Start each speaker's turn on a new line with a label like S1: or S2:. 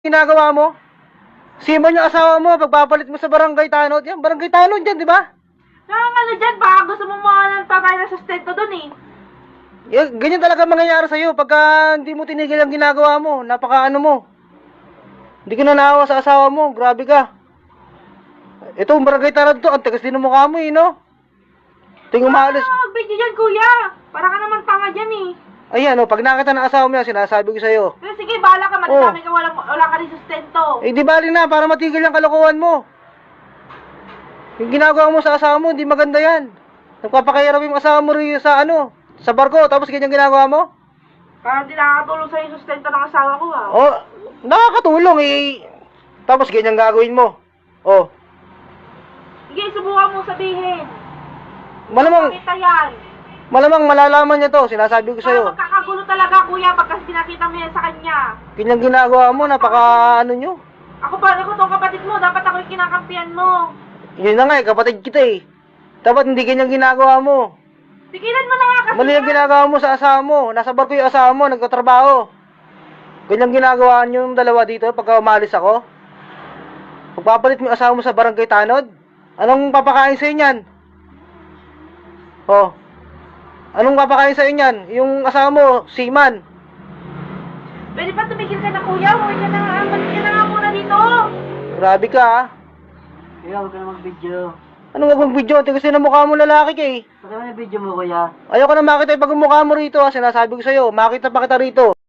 S1: ginagawa mo? Simon yung asawa mo, pagpapalit mo sa barangay tanod. Yan, barangay tanod yan, di ba?
S2: Ano dyan, baka gusto mo mga ng pagkain na sustento dun eh.
S1: Yan, ganyan talaga mangyayari sa'yo pagka hindi mo tinigil ang ginagawa mo. Napaka ano mo. Hindi ka na naawa sa asawa mo, grabe ka. Ito, barangay tanod to, ang tagas din ng mukha mo eh, no? Tingin umalis.
S2: Ano mag-video dyan, kuya? Para ka naman tanga dyan eh.
S1: Ayan, pag nakita ng asawa mo yan, sinasabi ko sa'yo.
S2: Pero sige, bahala ka, madami ka, wala ka rin sustento.
S1: Eh, di bali na, para matigil ang kalokohan mo. Yung ginagawa mo sa asawa mo, hindi maganda yan. Nagpapakahirap yung asawa mo rin sa sa barko, tapos ganyan ginagawa mo?
S2: Parang di nakakatulong sa'yo yung sustento ng asawa ko ah.
S1: Oh, nakakatulong eh. Tapos ganyan gagawin mo. Oh,
S2: Sige, subukan mo sabihin.
S1: malamang,
S2: Pakita yan.
S1: malamang malalaman niya to, sinasabi ko
S2: Kaya
S1: sa'yo.
S2: magkakagulo talaga, kuya, pagka pinakita mo yan sa kanya.
S1: Ganyan ginagawa mo, napaka ano nyo.
S2: Ako tong kapatid mo, dapat ako yung kinakampihan mo.
S1: Yun na nga eh, kapatid kita eh. Dapat hindi ganyan ginagawa mo.
S2: Tigilan mo na nga kasi.
S1: Mali ang ginagawa mo sa asawa mo. Nasa barko yung asawa mo, nagtatrabaho. Ganyan ginagawa niyo yung dalawa dito pagka umalis ako. Pagpapalit mo yung asawa mo sa barangay tanod, anong papakain sa inyan? Oh. Anong papakain sa inyan? Yung asawa mo, seaman.
S2: Pwede pa tumigil ka na, kuya? Huwag ka na nga, balik ka na nga muna dito.
S1: Grabe ka ah.
S3: Kuya, huwag ka na mag-video.
S1: Anong wag mong video? Tingnan kasi na mukha mo lalaki ka eh.
S3: Pati mo na video mo, kuya.
S1: Ayoko na makita yung pagmumukha mo rito ah. Sinasabi ko sa'yo, makita pa kita rito.